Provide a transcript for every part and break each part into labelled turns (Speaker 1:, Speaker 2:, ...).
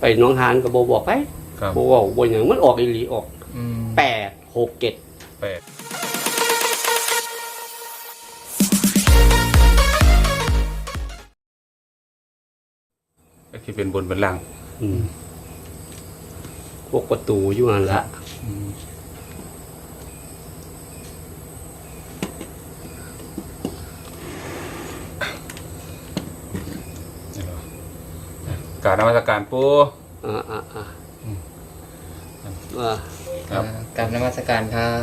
Speaker 1: น้องหานก็บ่บอกไปบ่บอกบ่หยังมันออกอีหลีออก8 6 7
Speaker 2: ก็คือเป็นบนเป็นล่าง
Speaker 1: พวกประตูอยู่นั่นละ
Speaker 2: การนมัสการปู่
Speaker 3: ครับกราบนมัสการครับ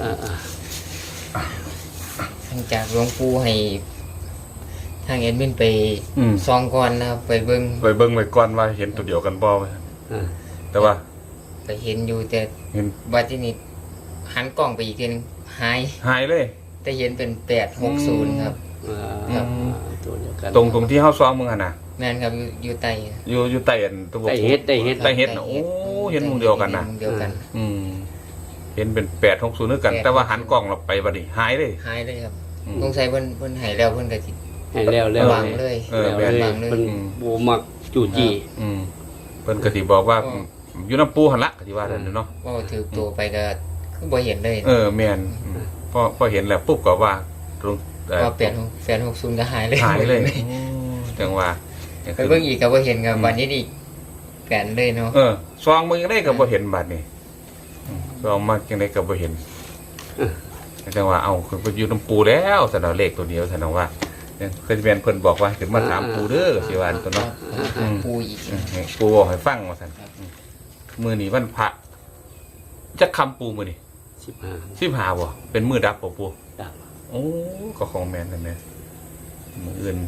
Speaker 3: หลังจากหลวงปู่ให้ทางเอ็ดมินไปซองก่อนนะครับไปเบิ้ง
Speaker 2: ไว้ก่อนว่าเห็นตัวเดียวกันบ่แต่ว่า
Speaker 3: ไปเห็นอยู่แต่บัดนี้หันกล้องไปอีกทีนึงหาย
Speaker 2: เลย
Speaker 3: แต่เห็นเป็น860ครับ
Speaker 1: ตัวเดียวกัน
Speaker 2: ตรงที่เฮาซ้อมมึงหั่นน่ะ
Speaker 3: แม่นครับอยู่ใต้
Speaker 2: อยู่ใต้อันตัว
Speaker 1: ใต้เฮ็ด
Speaker 2: โอ้เห็นมุมเดียวกันน่ะเห็นเป็น860คือกันแต่ว่าหันกล้องเราไปบัดนี้หายเลย
Speaker 3: ครับสงสัยเพิ่นให้แล้วเพิ่นก็สิ
Speaker 1: ให้แล้ว
Speaker 3: วางเลย
Speaker 1: มันบ่มักจู่จี้
Speaker 2: เพิ่นก็สิบอกว่าอยู่น้ำปูหั่นละก็สิว่านั่นเนาะ
Speaker 3: ว่าถือตัวไปก็คือบ่เห็นเลย
Speaker 2: แม่นพอเห็นแล้วปุ๊บก็ว่าตรง
Speaker 3: ก็860ก็หาย
Speaker 2: เลยจังว่า
Speaker 3: ไปเบิ่งอีกก็บ่เห็นครับบัดนี้อีกแก่นเลยเนาะ
Speaker 2: ซองมึงได้ก็บ่เห็นบัดนี้ซองมาจังได๋ก็บ่เห็นจังว่าเอาคือไปอยู่น้ำปูแล้วซั่นเอาเลขตัวเดียวซั่นว่าเคยเป็นเพิ่นบอกว่าขึ้นมาถามปูเด้อสิว่าตัวเนาะ
Speaker 3: ปูอีก
Speaker 2: ปูบอกให้ฟังว่าซั่นมื้อนี้วันพระจักคำปูมื้อนี้15บ่เป็นมื้อดับบ่ปู
Speaker 1: ดับ
Speaker 2: โอ้ก็ของแม่นนั่นแหละมื้ออื่น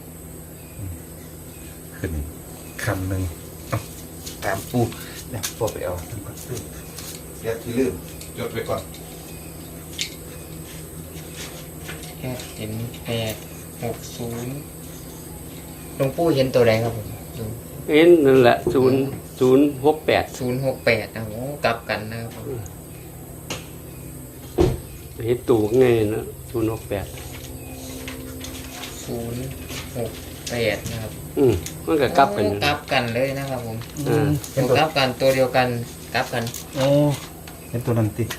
Speaker 2: ขึ้นคำนึงถามปูเดี๋ยวพ่อไปเอาท่านก่อนเดี๋ยวที่ลืมจดไว้ก่อน
Speaker 3: เห็น860หลวงปู่เห็นตัวใดครับผม
Speaker 1: เห็นนั่นแหละ0068
Speaker 3: นะโอ้กลับกันนะครับ
Speaker 1: เห็นตู่ไงนะ068
Speaker 3: นะครับ
Speaker 1: มันก็กลับ
Speaker 3: กันเลยนะครับผมกลับกันตัวเดียวกันกลับกัน
Speaker 2: โอ้เห็นตัวนั้นติ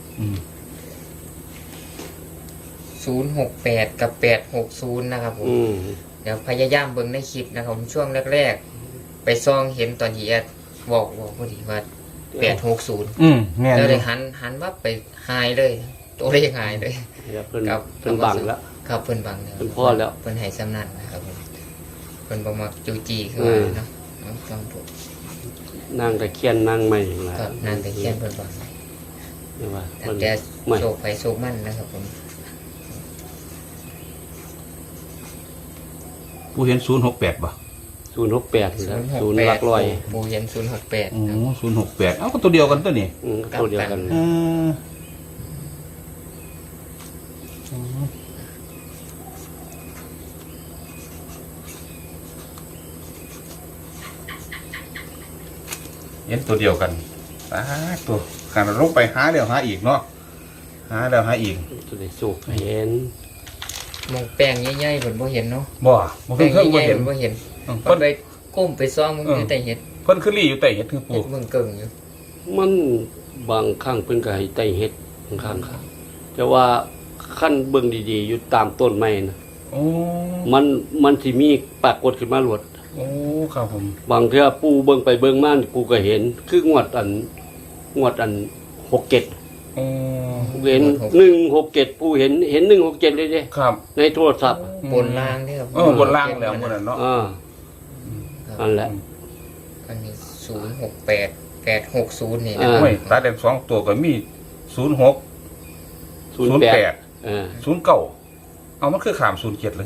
Speaker 3: 068กับ860นะครับผมเดี๋ยวพยายามเบิ่งในคลิปนะครับช่วงแรกๆไปซองเห็นตอนที่แอดบอกพอดีว่า860แล้วเลยหันว่าไปหายเลยตัวเลขหายเลย
Speaker 1: เพิ่นบังแล้ว
Speaker 3: ครับเพิ่นบังแล้ว
Speaker 1: เพิ่นพอแล้ว
Speaker 3: เพิ่นให้สำนันนะครับผมเพิ่นบ่มักจูจี้คือเนาะฟังผม
Speaker 1: นางตะเคียนนางใหม่ล่ะ
Speaker 3: ครับนางตะเคียนเพิ่นบัง
Speaker 1: นี่ว่า
Speaker 3: มันแกโชคไปโชคมั่นนะครับผม
Speaker 2: ผู้เห็น068บ่
Speaker 1: 068แล้ว0หลักร้อย
Speaker 3: ผู้เห็น068
Speaker 2: โอ้068เอ้าก็ตัวเดียวกันตัวนี้
Speaker 1: ตัวเดียวกัน
Speaker 2: เห็นตัวเดียวกันตัวขนาดลงไปหาแล้วหาอีกเนาะหาแล้วหาอีก
Speaker 1: ตัวได้สุกเห็น
Speaker 3: มองแป้งใหญ่ๆเพิ่นบ่เห็นเนาะ
Speaker 2: บ่เพิ่นบ่เห็น
Speaker 3: เพิ่นไปก้มไปซ้อมมึงอยู่ใต้เห็ด
Speaker 2: เพิ่นคือลี่อยู่ใต้เห็ดคือปู่
Speaker 3: มึงเกิ่งอยู่
Speaker 1: มันบางครั้งเพิ่นก็ให้ใต้เห็ดบางครั้งครับแต่ว่าขั้นเบิ่งดีๆอยู่ตามต้นไม้นะมันสิมีปรากฏขึ้นมาหลวด
Speaker 2: ครับผม
Speaker 1: บางเทื่อปู่เบิ่งไปเบิ่งมาปู่ก็เห็นคืองวดอัน67เห็น167ปู่เห็น167เลยเด้
Speaker 2: ครับ
Speaker 1: ในโทรศัพท์
Speaker 3: บนล่างเด้ครับ
Speaker 2: บนล่างแล้วมื้อนั้นเนาะ
Speaker 1: นั่นแหละ
Speaker 3: อันนี้068 860นี่นะ
Speaker 2: โอ้ยตาแดง2ตัวก็มี06 08 09เอามันคือข้าม07เลย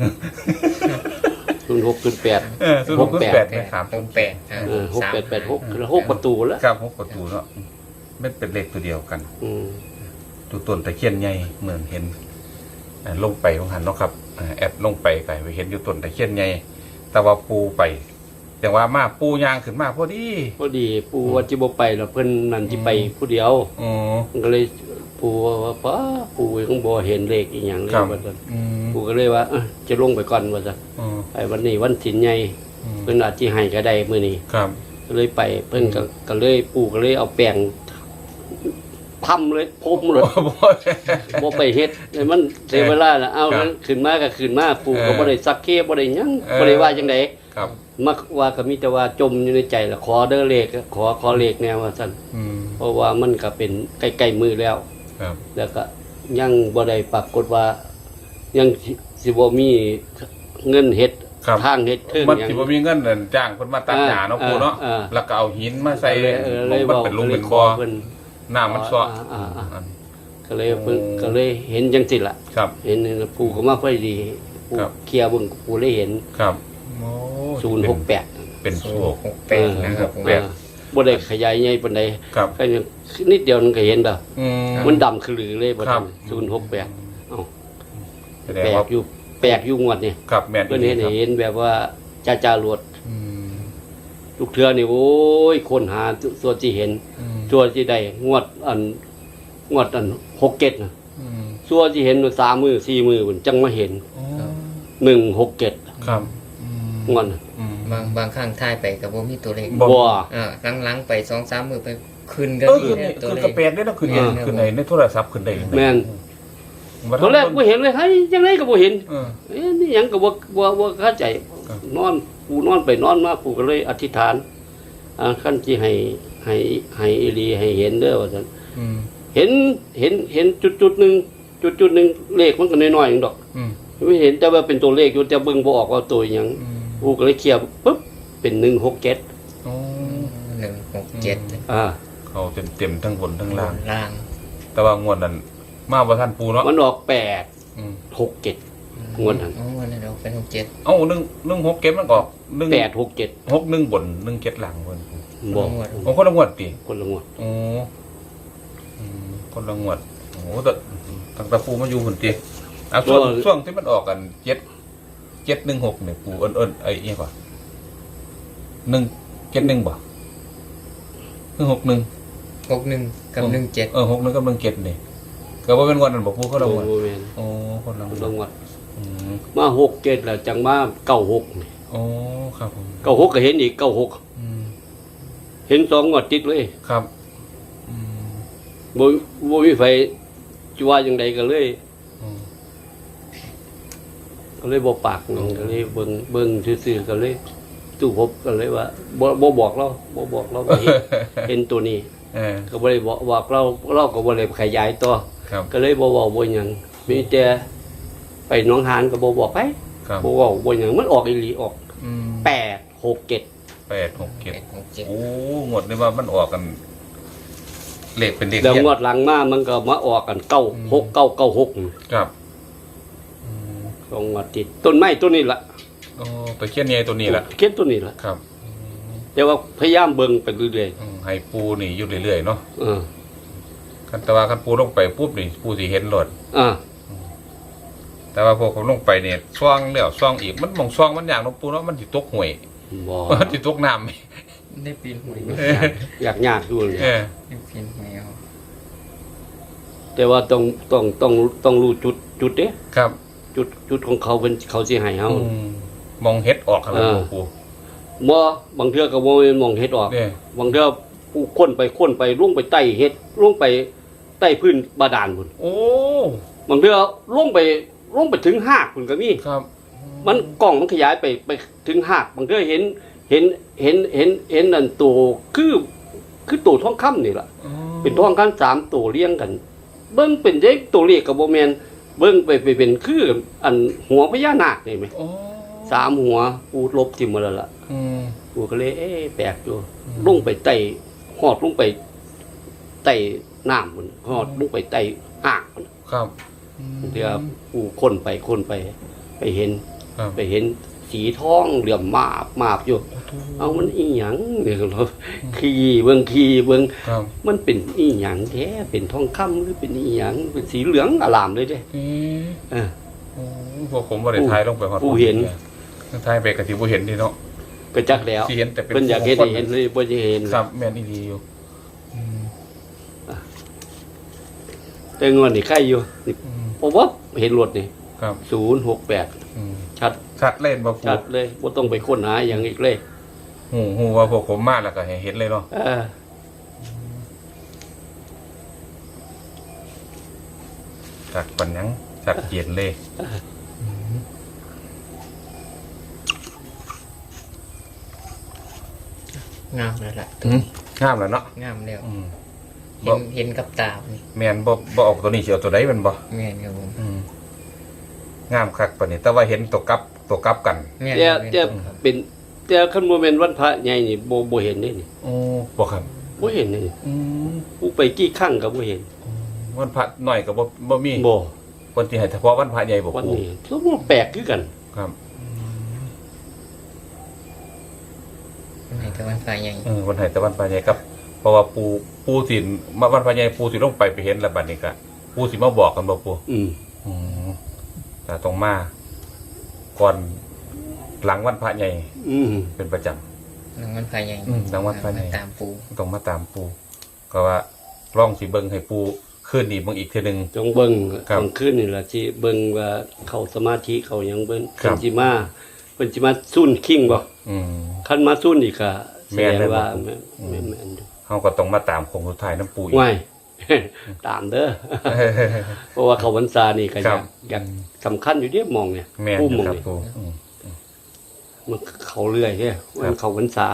Speaker 1: 06
Speaker 2: 06 08ครับ
Speaker 1: 6886คือ6ประตูแล้ว
Speaker 2: ครับ6ประตูเนาะมันเป็นเลขตัวเดียวกันตัวต้นตะเคียนใหญ่เหมือนเห็นลงไปของหันเนาะครับแอดลงไปไกลไปเห็นอยู่ต้นตะเคียนใหญ่แต่ว่าปูไปแต่ว่ามาปูยางขึ้นมาพอดี
Speaker 1: ปูว่าจิบ่ไปแล้วเพิ่นนั่นสิไปผู้เดียวมันก็เลยปูว่าป้าปูยังบ่เห็นเลขอีหยังเลยว่าซั่นปูก็เลยว่าจะลงไปก่อนว่าซั่นไอ้วันนี้วันศีลใหญ่เพิ่นอาจสิให้ก็ได้มื้อนี้
Speaker 2: ครับ
Speaker 1: ก็เลยไปเพิ่นก็เลยปู่ก็เลยเอาแป้งทำเลยพรมเลยบ่ไปเฮ็ดให้มันเสียเวลาน่ะเอาขึ้นมาก็ขึ้นมาปู่ก็บ่ได้ซักเคบ่ได้หยังบ่ได้ว่าจังได๋
Speaker 2: ครับ
Speaker 1: มักว่าก็มีแต่ว่าจมอยู่ในใจละขอเด้อเลขขอเลขแนวว่าซั่นเพราะว่ามันก็เป็นใกล้ๆมือแล้ว
Speaker 2: ครับ
Speaker 1: แล้วก็ยังบ่ได้ปรากฏว่ายังสิบ่มีเงินเฮ็ด
Speaker 2: ครับ
Speaker 1: ทางเฮ็ดเทิง
Speaker 2: มัน
Speaker 1: หยัง
Speaker 2: สิบ่มีเงินนั่นจ้างเพิ่นมาตัดหญ้าเนาะปู่เนาะ แล้วก็เอาหินมาใส่
Speaker 1: เลย
Speaker 2: มันเป็นหลุมเป็นบ่อ
Speaker 1: เพิ่น
Speaker 2: น้ำมันซ้อ
Speaker 1: ก็เลยเพิ่นก็เลยเห็นจังซี่ล่ะ
Speaker 2: ครับ
Speaker 1: เห็นปู่ก็มาพอดีปู่
Speaker 2: ครับ
Speaker 1: เคลียร์เบิ่งปู่เลยเห็น
Speaker 2: ครับโอ้
Speaker 1: 068
Speaker 2: เป็นโชค
Speaker 3: 068นะครับผม
Speaker 2: แปด
Speaker 1: บ่ได้ขยายใหญ่ปานใด
Speaker 2: ครับ
Speaker 1: แค่นิดเดียวมันก็เห็นแล้ว
Speaker 2: อืม
Speaker 1: มันดำคือหรือเลยบ่
Speaker 2: ครับ
Speaker 1: 068เอ้า
Speaker 2: แสดง
Speaker 1: แปล
Speaker 2: ว่าก
Speaker 1: อยู่งวดนี่
Speaker 2: ครับแม่น
Speaker 1: เพิ่นเห็น
Speaker 2: ครับ
Speaker 1: เห็นแบบว่าจ้าๆรวด
Speaker 2: อืม
Speaker 1: ลูกเทือนี่โอ้ยคนหาส่วนที่เห็น
Speaker 2: อืม
Speaker 1: ส่วนที่ได้งวดอัน67น่ะ
Speaker 2: อืม
Speaker 1: ส่วนที่เห็น3มือ4มือพุ่นจังมาเห็น
Speaker 2: อ๋อ
Speaker 1: 167
Speaker 2: ครับอืม
Speaker 1: งวดน่ะ
Speaker 2: อืม
Speaker 3: บางครั้งถ่ายไปก็บ่มีตัวเลข
Speaker 2: บ่
Speaker 1: บ่
Speaker 3: หลังๆไป 2-3 มื้อไปขึ้นก็
Speaker 2: เออ
Speaker 3: มี
Speaker 2: คือ
Speaker 3: นะตัว
Speaker 2: คือ
Speaker 3: เล
Speaker 2: กระ
Speaker 3: ข
Speaker 2: แปดได้เนาะคือ
Speaker 3: แม่น
Speaker 2: คือในโทรศัพท์ขึ้นได้ยังไง
Speaker 1: แม่น
Speaker 2: บ่
Speaker 1: ตอนแรกบ่เห็นเลยเฮ้ยจังไดก็บ่เห็น
Speaker 2: เออ
Speaker 1: เอ๊ะนี่หยังก็บ่เข้าใจ
Speaker 2: ครับ
Speaker 1: นอนปู่นอนไปนอนมาปู่ก็เลยอธิษฐานคันสิให้อีหลีให้เห็นเด้อว่าซั่น
Speaker 2: อืม
Speaker 1: เห็นจุดๆหนึงเลขมันก็น้อยๆเองดอก
Speaker 2: อืม
Speaker 1: ไม่เห็นแต่ว่าเป็นตัวเลขอยู่แต่เบิ่งบ่ออกว่าตัวหยัง
Speaker 2: อืม
Speaker 1: ปู่ก็เลยเคลียร์ปึ๊บเป็น167
Speaker 2: อ๋อ
Speaker 3: 167
Speaker 2: เขาเต็มทั้งบนทั้งล่าง
Speaker 3: ล่าง
Speaker 2: แต่ว่างวดนั้นมาบ่ทันปูเนาะ
Speaker 1: มันออก
Speaker 2: อืม
Speaker 1: 867งวดนั้น
Speaker 3: อ๋อนั่นเราเป็น67
Speaker 2: เอ้า1 6เก็บมันออก1
Speaker 1: 867
Speaker 2: 6 1บน1 7หลังเพิ่น
Speaker 1: บ่
Speaker 2: โอ้คนละงวดติ
Speaker 1: คนละงวด
Speaker 2: โอ้คนละงวดโอ้แต่ตั้งแต่ปูมาอยู่พุ่นติอ่ะช่วงที่มันออกกัน716เนี่ยปูเอิ้นไอ้อีหยังบ่171บ่161
Speaker 3: 61กับ17
Speaker 2: 61กับ17นี่ก็บ่เป็นงวดนั้นบ่ปูคนละงวด
Speaker 1: บ่แม่น
Speaker 2: โอ้คนละง
Speaker 1: คน
Speaker 2: ว
Speaker 1: ละ
Speaker 2: ด
Speaker 1: งวด
Speaker 2: อืม
Speaker 1: มา67แล้วจังมา96นี่
Speaker 2: โอ้ครับผม
Speaker 1: 96ก็เห็นอีก96
Speaker 2: อืม
Speaker 1: เห็น2งวดติดเลย
Speaker 2: ครับอืม
Speaker 1: บ่มีไฟจะว่าจังไดก็เลย
Speaker 2: อืม
Speaker 1: บ่ปากหยังก็เลยเบิ่งซื่อๆก็เลยตู้พบก็เลยว่าบ่บอกเราว่าเห็นตัวนี้
Speaker 2: เออ
Speaker 1: ก็บ่ได้บอกเราก็บ่ได้ขยายต่อ
Speaker 2: ครับ
Speaker 1: ก็เลยบ่เว้าบ่หยังมีแต่ไปหนองหานก็บ่บอกไป
Speaker 2: ครับ
Speaker 1: บ่เว้าบ่หยังมันออกอีหลีออก
Speaker 2: อืม
Speaker 1: 867
Speaker 2: 867โอ้งวดนี้ว่ามันออกกันเลขเป็นเลข
Speaker 1: แล้ว
Speaker 2: เขียน
Speaker 1: งวดหลังมามันก็มาออกกัน96996
Speaker 2: ครับอืม
Speaker 1: สองงวดติดต้นไม้ต้นนี้ล่ะ
Speaker 2: โอ้ตะเคียนใหญ่ตัวนี้ล่ะ
Speaker 1: เขียนต้นนี้ล่ะ
Speaker 2: ครับ
Speaker 1: แต่ว่าพยายามเบิ่งไปเรื่อย
Speaker 2: ให้ปูนี่อยู่เรื่อยๆเนาะ
Speaker 1: ๆเออ
Speaker 2: คันแต่ว่าคันปูลงไปปุ๊บนี่ปูสิเห็นรถ
Speaker 1: อ่า
Speaker 2: แต่ว่าพอผมลงไปเนี่ยซ่องแล้วซ่องอีกมันมองซ่องมันอย่างเนาะปูเนาะมันสิตกห่วย
Speaker 1: บ่
Speaker 2: มันสิตกน้ำ
Speaker 3: ได้ปีนหวย
Speaker 1: อยากยากอยู่เลย
Speaker 2: เออ
Speaker 3: ได้ปีนหวยเอา
Speaker 1: แต่ว่าต้องรู้จุดเด้
Speaker 2: ครับ
Speaker 1: จุดของเขาเป็นเขาสิให้เฮา
Speaker 2: มองเฮ็ดออกครับ
Speaker 1: เออ
Speaker 2: ปู
Speaker 1: บ่บางเทื่อก็บ่แม่นมองเฮ็ดออก
Speaker 2: เนี่ย
Speaker 1: บางเทื่อผู้ค้นไปลงไปใต้เฮ็ดลงไปใต้พื้นบาดาลพุ่น
Speaker 2: โอ้
Speaker 1: บางเทื่อลงไปถึงหากพุ่นก็มี
Speaker 2: ครับ
Speaker 1: มันกล้องมันขยายไปถึงหากบางเทื่อเห็นนั่นตัวคือตัวทองคำนี่ล่ะ เป็นทองคำ3ตัวเรียงกัน เบิ่งเป็นเลขตัวเลขก็บ่แม่นเบิ่งไปเป็นคืออันหัวพญานาคนี่แหม
Speaker 2: โอ้
Speaker 1: 3หัวปูลบทิ่มหมดแล้วล่ะ
Speaker 2: อืม
Speaker 1: ปูก็เลยแปลกอยู่ลงไปใต้หอดลงไปใต้น้ำมันหอดลงไปใต้อ่างมัน
Speaker 2: ครับ
Speaker 1: เดี๋ยวปูค้นไปไปเห็น
Speaker 2: ครับ
Speaker 1: ไปเห็นสีทองเหลื่อมมาบอยู่เอามันอีหยังเนี่ยเราขี่เบิ่ง
Speaker 2: ครับ
Speaker 1: มันเป็นอีหยังแท้เป็นทองคำหรือเป็นอีหยังเป็นสีเหลืองอลามเลยเด้
Speaker 2: อืม
Speaker 1: เออ
Speaker 2: โอ้พวกผมบ่ได้ถ่ายลงไปฮอด
Speaker 1: ปูเห็น
Speaker 2: ถ่ายไปก็สิบ่เห็นนี่เนาะ
Speaker 1: ก็จักแล้ว
Speaker 2: สิเห็นแต่เป็น
Speaker 1: เพิ่นอยากเห็นให้เห็นเลยบ่จะเห็น
Speaker 2: ครับแม่นอีหลีอยู่อืม
Speaker 1: แต่งอนนี่ใครอยู่นี่
Speaker 2: อืม
Speaker 1: ผมว่าเห็นรถนี่
Speaker 2: ครับ
Speaker 1: 068
Speaker 2: อืม
Speaker 1: ชัด
Speaker 2: ชัดเล่นบ่ปู
Speaker 1: ชัดเลยบ่ต้องไปค้นหาอย่างอีกเลย
Speaker 2: หูว่าพวกผมมาแล้วก็ให้เห็นเลยเนาะจากปัญญังจากเย็นเลย
Speaker 3: งามแล้วล่ะ
Speaker 2: งามแล้วเนาะ
Speaker 3: งามแล้ว
Speaker 2: บ่
Speaker 3: เห็นกับตานี่
Speaker 2: แมนบ่ออกตัวนี้สิเอาตัวใดแมันบ่
Speaker 3: แม่นครับผม
Speaker 2: งามคักปานนี้แต่ว่าเห็นตัวกลับกัน
Speaker 3: แม่น
Speaker 1: แต่เป็นแต่คันบ่แม่นวันพระใหญ่นี่บ่เห็นนี่นี่
Speaker 2: โอ้บ่ครับ
Speaker 1: บ่เห็นนี่ผู้ไปกี่ครั้งก็บ่เห็น
Speaker 2: วันพระน้อยก็บ่มี
Speaker 1: บ่
Speaker 2: คนที่ให้เฉพาะวันพระใหญ่บ่
Speaker 1: วัน
Speaker 2: ปู
Speaker 1: นี้สมมุติแปลกคือกัน
Speaker 2: ครับ
Speaker 3: ไหนแต่วันฝ่ายใหญ่
Speaker 2: วันให้แต่วันพระใหญ่ครับเพราะว่าปูสิมาวันพระใหญ่ปูสิลงไปเห็นแล้วบัดนี้ก็ปูสิมาบอกกันบ่ปู แต่ต้องมาก่อนหลังวันพระใหญ่เป็นประจำ
Speaker 3: หลังวันฝ่ายใหญ่
Speaker 2: หลังวันฝ่ายใหญ่
Speaker 3: ตามปู
Speaker 2: ต้องมาตามปูก็ว่าร่องสิเบิ่งให้ปูขึ้นอีกเบิ่งอีกเทีนึง
Speaker 1: จงเบิ่ง
Speaker 2: ครับ
Speaker 1: กลางคืนนี่ล่ะสิเบิ่งว่าเขาสมาธิเขาหยังเบิ่ง
Speaker 2: ครั
Speaker 1: เพิ่
Speaker 2: บ
Speaker 1: นสิมาซุ่นคิงบ่
Speaker 2: อืม
Speaker 1: คันมาซุ่นอีกก็แส
Speaker 2: แม่น
Speaker 1: ด
Speaker 2: เลย
Speaker 1: ง
Speaker 2: บ่
Speaker 1: ว่า
Speaker 2: ผม
Speaker 1: แม่นอยู่
Speaker 2: เฮาก็ต้องมาตามคงสุดท้ายน้ำปูอีก
Speaker 1: ง่าย ตามเด้อ เพราะว่าเขาพรรษานี่ก็อ
Speaker 2: ครั
Speaker 1: ยา
Speaker 2: บ
Speaker 1: กสำคัญอยู่เด้มองเนี่ย
Speaker 2: แม่น
Speaker 1: ผู้มอง
Speaker 2: ครับ
Speaker 1: นี่
Speaker 2: ปู
Speaker 1: มันเขาเรื่อยเด้มันเขาพรรษา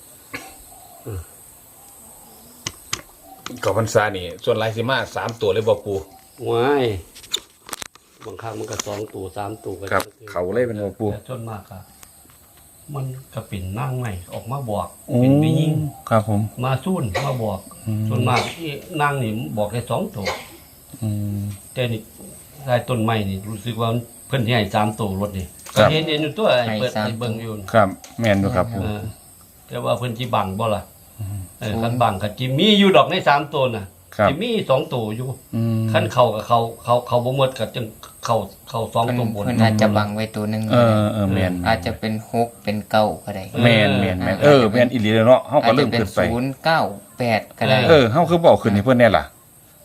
Speaker 2: ก็พรรษานี่ส่วนลายสิมา3ตัวเลยบ่ปู
Speaker 1: ง่ายบางครั้งมันก็2ตัว3ตัวก็
Speaker 2: ครับเขาเลยเป็นบ่ปู
Speaker 1: แต่ส่วนมากอะมันก็เป็นนั่งใหม่ออกมาบอกเป็นไปยิ่ง
Speaker 2: ครับผม
Speaker 1: มาซุ่นมาบอก ส่วนมากที่นั่งนี่บอกได้2ตัวแต่นี่ได้ต้นไม้นี่รู้สึกว่าเพิ่นสิให้3ตัวรถนี่ก็เห็นอยู่ตัวไอ้เปิดไอ้เบิ่งอยู่
Speaker 2: ครับแม่นอยู่ครับปู
Speaker 1: แต่ว่าเพิ่นสิบังบ่ล่ะคันบังก็สิมีอยู่ดอกใน3ตัวน่ะ
Speaker 2: ครับ
Speaker 1: สิมี2ตัวอยู่คันเข้ากับเขาบ่หมดก็จึงเข้า2ตัวบน
Speaker 3: เพิ่นอาจจะบังไว้ตัวหนึง
Speaker 2: แม่น
Speaker 3: อาจจะเป็น6เป็น9ก็ได้
Speaker 2: แม่นแม่นอีหลีเลยเนาะเฮา
Speaker 3: อา
Speaker 2: ก็
Speaker 3: จ
Speaker 2: เริ่
Speaker 3: จะ
Speaker 2: ม
Speaker 3: เป็น
Speaker 2: ขึ้นไป
Speaker 3: 0 9 8ก็ได้
Speaker 2: เฮาคือบอกขึ้นให้เพิ่นแน่ล่ะ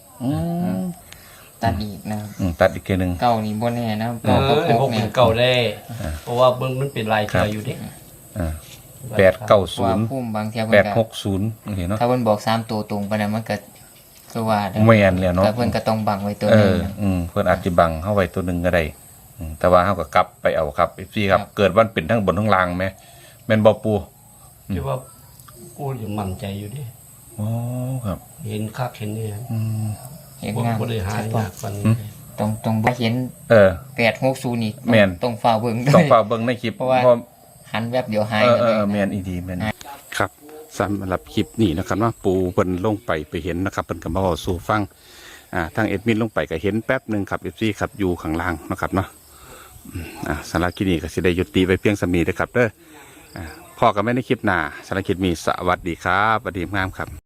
Speaker 3: ตัดอีกนะครับ
Speaker 2: ตัดอีกเทื่อนึง
Speaker 3: เก้านี่บ่แน่นะ
Speaker 1: เอ
Speaker 3: เก้า
Speaker 1: อ
Speaker 3: กับ
Speaker 1: พวก
Speaker 3: 6
Speaker 1: เป็
Speaker 3: เนี่ย
Speaker 1: นเก่าได้ เพราะว่าเบิ่งมันเป็นลายเทืออยู่เด้
Speaker 2: 890
Speaker 3: ว่าพุ่มบางเที่ยเพิ่นก็
Speaker 2: 860เห็นเนาะ
Speaker 3: ถ้าเพิ่นบอก3ตัวตรงไปนั้นมันก็คือว่าเด้อ
Speaker 2: แม่นแล้วเนาะ
Speaker 3: แต่เพิ่นก็ต้องบังไว้ตัวหนึงนะ
Speaker 2: เพิ่นอาจสิบังเฮาไว้ตัวหนึงก็ได้แต่ว่าเฮาก็กลับไปเอาครับ FC ครับ เกิดวันเป็นทั้งบนทั้งล่างแม่แม่นบ่ปู
Speaker 1: ที่ว่ากูยังมั่นใจอยู่เดิ
Speaker 2: อ๋อครับ
Speaker 1: เห็นคักเห็นเนี่ย
Speaker 3: เห็น
Speaker 1: บ่
Speaker 3: งาม
Speaker 1: บ่ได้หา
Speaker 3: ชัด
Speaker 1: ยากปาน
Speaker 2: อื
Speaker 1: นี้
Speaker 3: มต้องบ่เห็น 860นี่
Speaker 2: แม่น
Speaker 3: ต้องฝ่าเบิ่งด้
Speaker 2: ต้อ
Speaker 3: ว
Speaker 2: ง
Speaker 3: ย
Speaker 2: ฝากเบิ่งในคลิป
Speaker 3: เพราะว่า หันแวบเดียวหายกันเลย
Speaker 2: แม่นอีดีแม่นครับสำหรับคลิปนี้นะครับว่าปูเพิ่นลงไปเห็นนะครับเพิ่นก็มาเว้าสู่ฟังทางเอ็ดมินลงไปก็เห็นแป๊บหนึงครับ FC ครับอยู่ข้างล่างนะครับเนาะสำหรับคลิปนี้ก็สิได้ยุติไว้เพียงสมีเด้อครับเด้อพ่อกับแม่ในคลิปหน้าสำหรับคลิปนี้สวัสดีครับสวัสดีงามครับ